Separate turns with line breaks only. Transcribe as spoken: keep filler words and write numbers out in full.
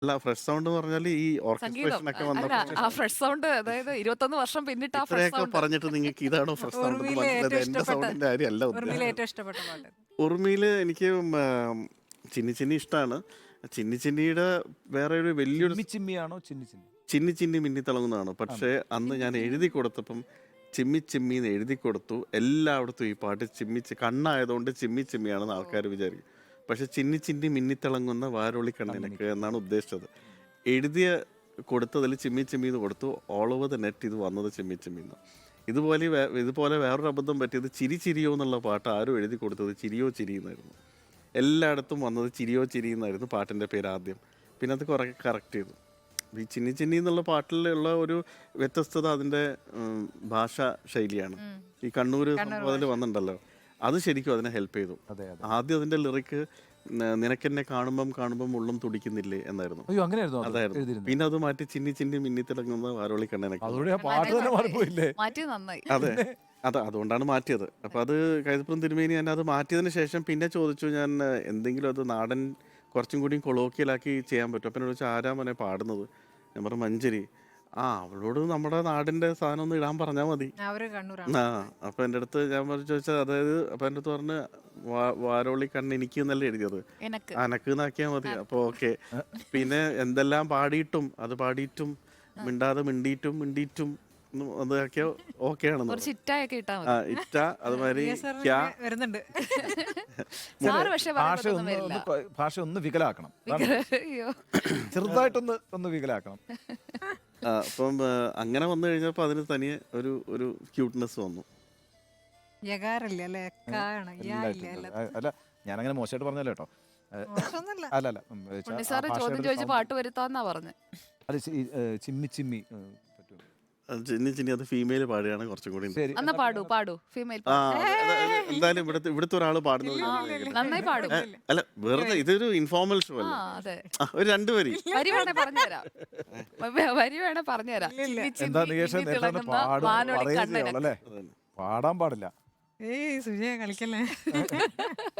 അല്ല fresh sound എന്ന് പറഞ്ഞാൽ ഈ
സംഗീതം.
ഓർക്കസ്ട്രേഷൻ ഒക്കെ
അ അല്ല
വന്നപ്പോൾ
ആ ഫ്രഷ് സൗണ്ട് അതായത് ഇരുപത്തൊന്ന് വർഷം പിന്നിട്ട് ആ ഫ്രഷ്
ഇത്രയൊക്കെ
സൗണ്ട്.
പറഞ്ഞിട്ട് നിങ്ങൾക്ക് ഇതാണോ ഫ്രഷ് സൗണ്ട് എന്ന്
ഉറുമിയിലെ
മനസ്സിലായത്?
ഏറ്റവും
എന്റെ
ഇഷ്ടപ്പെട്ട
സൗണ്ടിന്റെ കാര്യമല്ല
ഉറുമിയിലെ
ഉദ്ദേശിച്ചത്.
ഏറ്റവും ഇഷ്ടപ്പെട്ട പാട്ട്.
ഉറുമിയിൽ എനിക്ക് ഉം, ആം, ചിന്നി ചിന്നി ഇഷ്ടമാണ്. ചിന്നി ചിന്നിയുടെ വേറെ ഒരു വലിയൊരു
ചിമ്മി ചിമ്മിയാണോ ചിന്നി ചിന്നി?
ചിന്നി ചിന്നി മിന്നി തിളങ്ങുന്നതാണ്. പക്ഷേ അന്ന് ഞാൻ എഴുതി കൊടുത്തപ്പം ചിമ്മി ചിമ്മി എന്ന് എഴുതി കൊടുത്തു. എല്ലായിടത്തും ഈ പാട്ട് ചിമ്മി ചി- കണ്ണായതുകൊണ്ട് ചിമ്മി ചിമ്മിയാണെന്ന് ആൾക്കാർ വിചാരിക്കും. പക്ഷെ ചിന്നി ചിന്നി മിന്നിത്തിളങ്ങുന്ന വാരോളി കണ്ണിനൊക്കെ എന്നാണ് ഉദ്ദേശിച്ചത്. എഴുതിയ കൊടുത്തതിൽ ചിമ്മി ചിമ്മി എന്ന് കൊടുത്തു. ഓൾ ഓവർ ദ നെറ്റ് ഇത് വന്നത് ചിമ്മി ചിമ്മി എന്ന്. ഇതുപോലെ വേ- ഇതുപോലെ വേറൊരു അബദ്ധം പറ്റിയത് ചിരി ചിരിയോ എന്നുള്ള പാട്ട് ആരും എഴുതി കൊടുത്തത് ചിരിയോ ചിരി എന്നായിരുന്നു. എല്ലായിടത്തും വന്നത് ചിരിയോ ചിരി എന്നായിരുന്നു പാട്ടിൻ്റെ പേര് ആദ്യം. പിന്നെ അത് കുറേ കറക്റ്റ് ചെയ്തു. ഈ ചിന്നി ചിന്നി എന്നുള്ള പാട്ടിലുള്ള ഒരു വ്യത്യസ്തത അതിൻ്റെ ഉം, ഭാഷാ ശൈലിയാണ്. ഈ കണ്ണൂർ സംഭവം അതിൽ വന്നിട്ടുണ്ടല്ലോ, അത് ശരിക്കും അതിനെ ഹെൽപ്പ് ചെയ്തു.
അതെ അതെ.
ആദ്യം അതിൻ്റെ ലിറിക്ക് നിനക്കെന്നെ കാണുമ്പം കാണുമ്പം ഉള്ളം തുടിക്കുന്നില്ലേ എന്നായിരുന്നു.
അയ്യോ അങ്ങനെയായിരുന്നു അത്
അതായിരുന്നു.
എഴുതിയിരുന്നത്.
പിന്നെ അത് മാറ്റി ചിന്നി ചിന്നി മിന്നി തിളങ്ങുന്ന വാരോളി കണ്ണനൊക്കെ.
അതോടെ ആ പാട്ട് തന്നെ മാറിപ്പോയില്ലേ?
മാറ്റിയത് നന്നായി.
അതെ അതെ അതുകൊണ്ടാണ് മാറ്റിയത്. അപ്പം അത് കൈതപ്പുറം തിരുമേനി ഞാൻ അത് മാറ്റിയതിന് ശേഷം പിന്നെ ചോദിച്ചു ഞാൻ ഏഹ്, എന്തെങ്കിലും അത് നാടൻ കുറച്ചും കൂടി കൊളോക്കിയലാക്കി ചെയ്യാൻ പറ്റും. അപ്പം എന്നോട് ചോദിച്ചാൽ ആരാ മോനെ പാടുന്നത്? ഞാൻ പറഞ്ഞു മഞ്ചരി. ആ അവളോട് നമ്മുടെ നാടിൻ്റെ സാധനം ഒന്ന് ഇടാൻ പറഞ്ഞാൽ മതി.
അവര് കണ്ണൂരാണ്.
ആ അപ്പം എൻ്റെ അടുത്ത് ഞാൻ പറഞ്ഞു ചോദിച്ചാൽ അതായത് അപ്പം എൻ്റെ അടുത്ത് പറഞ്ഞ് വാ- വാരോളി കണ്ണ് എനിക്ക് എന്നല്ലേ എഴുതിയത്,
എനക്ക്
അനക്ക് എന്നാക്കിയാൽ മതി. അപ്പോൾ ഓക്കെ. പിന്നെ എന്തെല്ലാം പാടിയിട്ടും അത് പാടിയിട്ടും മിണ്ടാതെ മിണ്ടിയിട്ടും മിണ്ടിയിട്ടും അതൊക്കെ ഓക്കെ ആണെന്ന്
കുറച്ച് ഇറ്റായൊക്കെ ഇട്ടാ
ആ
മതി.
ഇറ്റ അതുമാതിരി
വി എസ് ആർ
ക്യാ
വരുന്നുണ്ട്.
സാറ് പക്ഷെ
ഭാഷ
പറയുന്നതൊന്നും
ഒന്ന്
വരില്ല.
ഒന്ന് പ- ഭാഷ ഒന്ന് വികലാക്കണം. അതാണ്.
അയ്യോ
ചെറുതായിട്ടൊന്ന് ഒന്ന് വികലാക്കണം.
ആ, അപ്പം ആ, അങ്ങനെ വന്നു കഴിഞ്ഞപ്പോൾ അതിന് തനിയെ ഒരു ഒരു ക്യൂട്ട്നെസ് വന്നു.
യകാരല്ലേ അല്ലെ? എക്കാണ് യാ ഇല്ല
എല്ലായിട്ടും
അല്ല.
അല്ല അല്ല, ഞാനങ്ങനെ മോശമായിട്ട് പറഞ്ഞല്ലോ കേട്ടോ. ഏ,
മോശമൊന്നുമല്ല.
അല്ല അല്ല ഉം, ഏ, ച-
ഉണ്ണി
ആ
സാറ് ചോദ്യം
ഭാഷയുടെ
ചോദിച്ച്
sound-
പാട്ട് വരുത്താന്നാ പറഞ്ഞത്.
അത് ചി- ഈ, ഏ, ചിമ്മി ചിമ്മി ഏ, പറ്റും.
അത് ചിന്നി ചിന്നി അത് ഫീമെയിൽ പാടുകയാണ് കുറച്ചും കൂടി.
ശരി
എന്നാ പാടൂ പാടൂ ഫീമെയിൽ
ആ അത് അത് അത് എന്തായാലും ഇവിടുത്തെ ഇവിടുത്തെ ഒരാൾ പാടുന്നത് ഞാൻ കേൾക്കട്ടെ.
നന്നായി പാടും.
ഏ, അല്ല വെറുതെ ഇതൊരു ഇൻഫോർമൽ ഷോ
ആ
അല്ലേ.
അതെ.
ആ, ഒരു രണ്ട് വരി
വരി വേണേ പറഞ്ഞുതരാം. വ- വരി വേണേ പറഞ്ഞുതരാം. ചിന്നി
എന്താ
ചിന്നി
നികേഷ്
മിന്നി
നേരത്തെ
തിളങ്ങുന്ന
പാടും
വാനോളി
പറയുകയേ
കണ്ണന്.
ഉള്ളൂ അല്ലേ? പാടാൻ പാടില്ല.
ഏയ് സുജയ കളിക്കല്ലേ.